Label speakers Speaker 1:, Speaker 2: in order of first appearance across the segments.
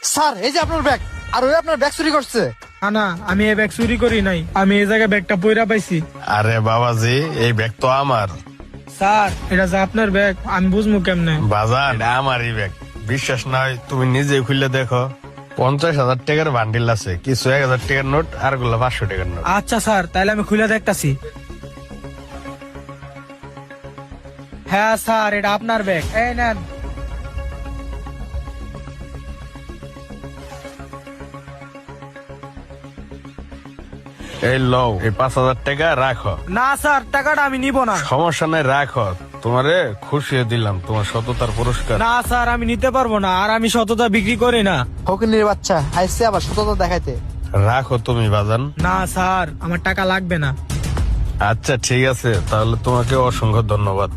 Speaker 1: Sir এই যে আপনার ব্যাগ, আর ওই আপনার ব্যাগ চুরি করছে।
Speaker 2: না না, আমি এই ব্যাগ চুরি করি নাই, আমি এই জায়গায় ব্যাগটা পইরা পাইছি।
Speaker 3: আরে বাবাজি, এই ব্যাগ তো আমার।
Speaker 2: স্যার এটা যে আপনার ব্যাগ, আমি বুঝবো কেমনে?
Speaker 3: বাজার এটা আমারই ব্যাগ। বিশ্বাস না হয় তুমি নিজে খুলে দেখো। 50,000 টাকার বান্ডিল আছে, কিছু 1,000 টাকার নোট, আর গুলো 500 টাকার নোট।
Speaker 2: আচ্ছা স্যার, তাহলে আমি খুলে দেখতাছি। হ্যাঁ স্যার, এটা আপনার ব্যাগ, এই নেন।
Speaker 3: এই লও, এই 5,000 টাকা রাখো।
Speaker 2: না স্যার, টাকাটা আমি নিব না।
Speaker 3: সমস্যা নাই, রাখো। তোমারে খুশি দিলাম, তোমার সততার পুরস্কার।
Speaker 2: না স্যার, আমি নিতে পারবো না, আর আমি সততা বিক্রি করি না।
Speaker 1: ফকিনীর বাচ্চা আইসে আবার সততা দেখাইতে।
Speaker 3: রাখো তুমি বাজান।
Speaker 2: না স্যার, আমার টাকা লাগবে না।
Speaker 3: আচ্ছা ঠিক আছে, তাহলে তোমাকে অসংখ্য ধন্যবাদ।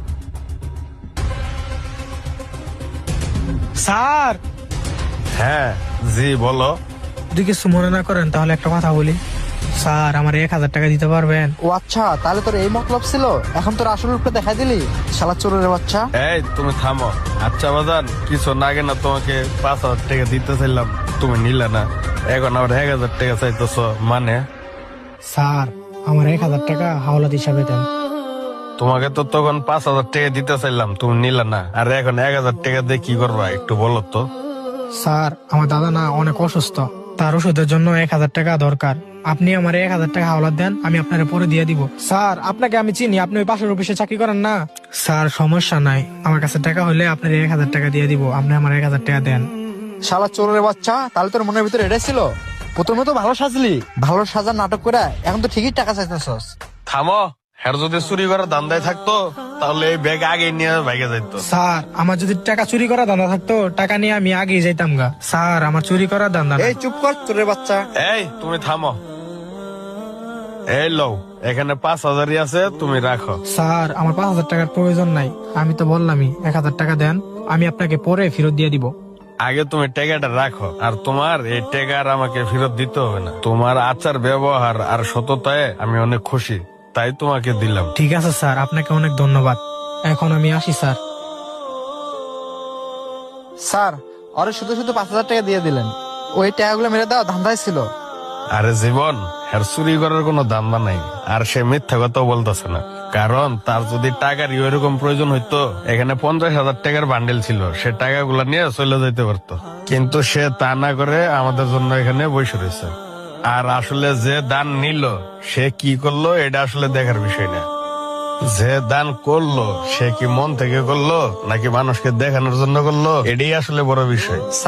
Speaker 2: স্যার,
Speaker 3: হ্যাঁ জি বলো।
Speaker 2: যদি কিছু মনে না করেন তাহলে একটা কথা বলি। স্যার, আমার 1,000 টাকা দিতে পারবেন?
Speaker 1: ও আচ্ছা, তাহলে তোর এই মতলব ছিল, এখন তোর আসল রূপটা দেখাই দিলি শালা চোরের বাচ্চা।
Speaker 3: এই তুমি থামো। আচ্ছা বাজান, কিছু না আগে না তোমাকে 5,000 টাকা দিতে চাইলাম, তুমি নিলে না, এখন আবার 1,000 টাকা চাইতেছ মানে?
Speaker 2: স্যার, আমার 1,000 টাকা হাওলাত হিসাবে দেন।
Speaker 3: তোমাকে তো তখন 5,000 টাকা দিতে চাইলাম, তুমি নিলে না, আর এখন 1,000 টাকা দিয়ে কি করবা একটু বলো তো?
Speaker 2: স্যার, আমার দাদা না অনেক অসুস্থ, তার ওষুধের জন্য 1,000 টাকা দরকার। আপনি আমার 1,000 টাকা হাওলাত দেন, আমি আপনার পরে দিয়ে দিব। স্যার, আপনাকে আমি চিনি, আপনি ওই পাশের অফিসে চাকরি করেন না? স্যার সমস্যা নাই, আমার কাছে টাকা হলে আপনার 1,000 টাকা দিয়ে দিব, আপনি আমার 1,000 টাকা দেন।
Speaker 1: শালা চোরের বাচ্চা, তাহলে তোর মনের ভিতরে এটাই ছিল? প্রথমে তো ভালো সাজলি, ভালো সাজার নাটক করে এখন তো ঠিকই টাকা চাইতেছস।
Speaker 3: থামো। হ্যার যদি চুরি করার ধান্দায় থাকতো তাহলে এই ব্যাগ আগে নিয়ে ভাইগে যাইতো।
Speaker 2: স্যার, আমার যদি টাকা চুরি করা ধান্দা থাকতো, টাকা নিয়ে আমি আগেই যাইতাম গা। স্যার, আমার চুরি করার ধান্দা না।
Speaker 1: এই চুপ কর চোরের বাচ্চা।
Speaker 3: এই তুমি থামো। এই লও, এখানে 5,000ই আছে, তুমি রাখো।
Speaker 2: স্যার, আমার 5,000 টাকার প্রয়োজন নাই, আমি তো বললামই 1,000 টাকা দেন, আমি আপনাকে পরে ফেরত দিয়ে দিব।
Speaker 3: আগে তুমি টাকাটা রাখো, আর তোমার এই টাকা আর আমাকে ফেরত দিতে হবে না। তোমার আচার ব্যবহার আর সততায় আমি অনেক খুশি, তাই তোমাকে দিলাম।
Speaker 2: ঠিক আছে স্যার, আপনাকে অনেক ধন্যবাদ। এখন আমি আসি স্যার।
Speaker 1: স্যার, ওরে শুধু শুধু 5,000 টাকা দিয়ে দিলেন, ওই টাকাগুলো মেরে দেওয়া ধান্দায় ছিল।
Speaker 3: আরে জীবন, আর চুরি করার কোনো দাম্বা নাই, আর সে মিথ্যা কথাও বলতেছে না। কারণ তার যদি টাকার এরকম প্রয়োজন হইতো, এখানে 50,000 টাকার বান্ডেল ছিল, সে টাকাগুলা নিয়ে চলে যেতে পারতো, কিন্তু সে তা না করে আমাদের জন্য এখানে বসে রয়েছে। আর আসলে যে দান নিল সে কি করলো এটা আসলে দেখার বিষয় না, যে দান করলো সে কি মন থেকে করলো নাকি মানুষকে দেখানোর জন্য করলো, এটাই আসলে বড় বিষয়।